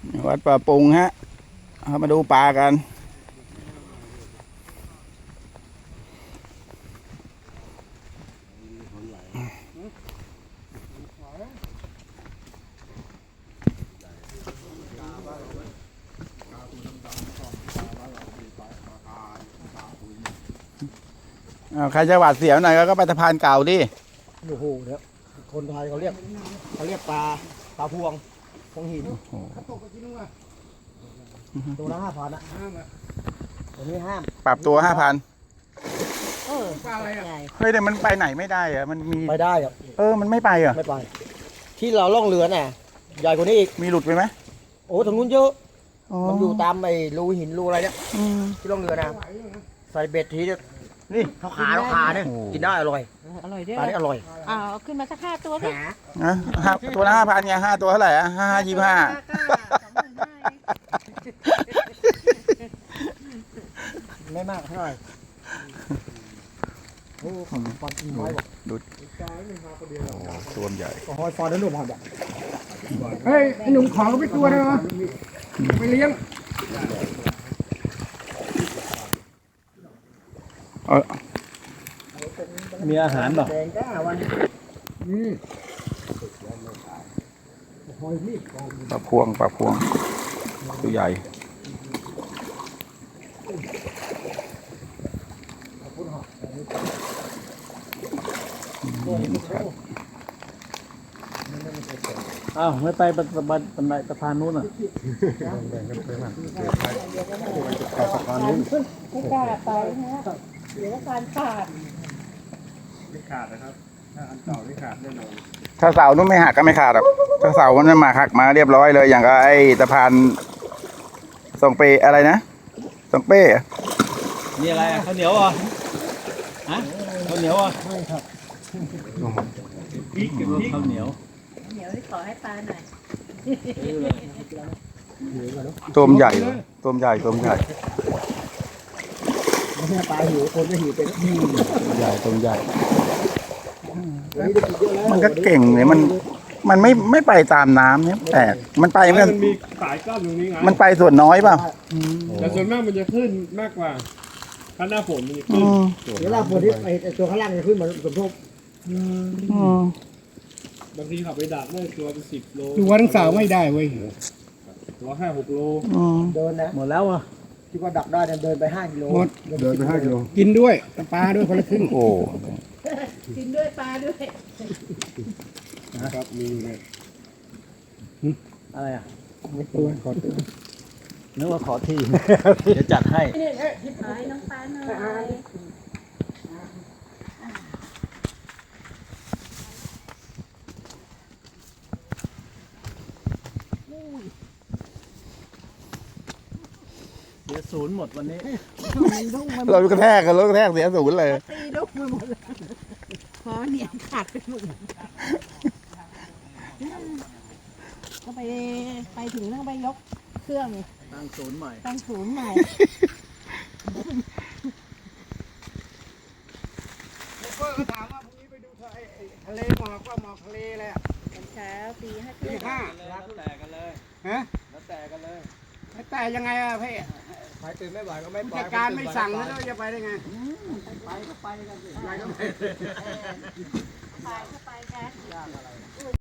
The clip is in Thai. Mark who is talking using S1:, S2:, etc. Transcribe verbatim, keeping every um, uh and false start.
S1: วัดป่าปุงฮะเอามาดูปลากันใครจะหวาดเสียวหน่อยก็ไปสะพานเก่าดิ
S2: โอ้โหเนี่ยคนไทยเขาเรียกเขาเรียกปลาปลาพวงพวงหินตัวละห้าพันอ่ะตัวนี้ห้าม
S1: ปรับตัวห้าพัน
S2: เออปลาอะไรอ่ะ
S1: เฮ้ยแต่มันไปไหนไม่ได้อะมันมี
S2: ไปได้อ่ะ
S1: เออมันไม่ไปอ่ะ
S2: ไม่ไปที่เราล่องเรือน่ะใหญ่กว่านี้อีก
S1: มีหลุดไปไหม
S2: โอ้ทางนู้นเยอะมันอยู่ตามไอ้รูหินรูอะไรเนี่ยที่ล่องเรือนะใส่เบ็ดทีเนี่ยนี่เขาขาเขาขาเนี่ยกินได้อร่อย
S3: อร่อยด้วย
S2: ปลานี่อร่อย
S3: อ่าขึ้นมาสักห้าตัวสิ
S1: นะตัวละห้าพันไงห้าตัวเท่าไหร่อ่ะห้าห้ายี่ห้า
S2: ไม่มากเท่าไหร่โอ้ผมปอนน้อยบอก
S1: ดูตัวใหญ่
S2: หอยฟอนนั่นหนุ่มหอยแบบ
S4: เฮ้ยไอ้หนุ่มขอก็ไม่ตัวเลยวะไปเลี้ยง
S1: มีอาหารหรอปลาพวงปลาพวงตัวใหญ่
S5: อ้าวไม่ไปบันบันบันไดสะพานนู้นอ่ะ
S3: สะพานนู้นไม่กล้าไปนะเดี๋ยวสะพานขาด
S4: ไม่ขาดนะครับถ้าอันเก่าไม่ขาดแน่นอน
S1: ถ้าเสานู้นไม่หักก็ไม่ขาดหรอกถ้าเสามันมาหักมาเรียบร้อยเลยอย่างกับไอ้สะพานสองเปอะไรนะสองเป้
S5: นี่อะไรข้าวเหนียวอ่ะฮะข้าวเหนียวอ่ะไม่ครับข้าวเหนียว
S3: เหนียวที่ขอให้ปลาหน่อย
S1: ตัวใหญ่ตัวใหญ่ตัวใหญ่
S2: ไม่ใช่ปลาหิวคนจะหิวเป็น
S1: ใหญ่ตัวใหญ่มันก็เก่งเลยมันมันไม่ไม่ไปตามน้ำเนี่ยแต่มันไปมัน
S4: มีสายก้อนตรงนี้ไง
S1: มันไปส่วนน้อยเปล่า
S4: แต่ส่วนมากมันจะขึ้นมากกว่าถ้าหน้าฝนมันจะขึ้น
S2: เดี๋ยวหน้าฝนที่ไอ้ตัวข้างล่างจะขึ้นเหมือนสมทบบ
S4: างทีขับไปดักได้ตัวเป็นสิบโลตัวทั้งสาวไม่ได้เว้ยตัวห้าหกโล
S2: เดินนะ
S5: หมดแล้วอ่ะ
S2: คิดว่าดักได้เดินไปห้ากิโล
S4: หมดเดินไปห้ากิโลกินด้วยปลาด้วยคนละครึ่ง
S1: โอ้
S3: กินด้วยปลาด้วย
S4: นะครับมีเลย
S5: อะไรอ่ะ
S4: ไม่ตัวขอตัว
S5: นึกว่าขอที่จะจัดให้
S3: ขอให้น้องปลาหน่อย
S5: เสียศูนย์หมดวันนี้
S1: เรากระแทกกันรถกระแทกเสียศูนย์เลย
S3: ตีลูกไปหมดเลยพอเนี่ยขาดไปหมดก็ไปไปถึงต้องไปยกเครื่อง
S5: ตั้งศูนย์ใหม่
S3: ตั้งศูนย์ใหม่
S4: เพื่อนถามว่าพรุ่งนี้ไปดูทะเลหมอกว่าหมอกทะเลเลยอ่ะ
S3: เช้าปีห้า
S4: ปีห้า
S5: แล้วแต่กันเลย
S4: ฮะ
S5: แล้วแต่กันเลย
S4: แต่ยังไงอะพี่
S2: ไปตื่นไม่ไหวก็ไม่
S4: จัดการไม่สั่งแล้วจะไปได้ไง
S2: ไปก็ไปกันสิ
S4: ไปก็ไป
S3: ไปก็ไปกัน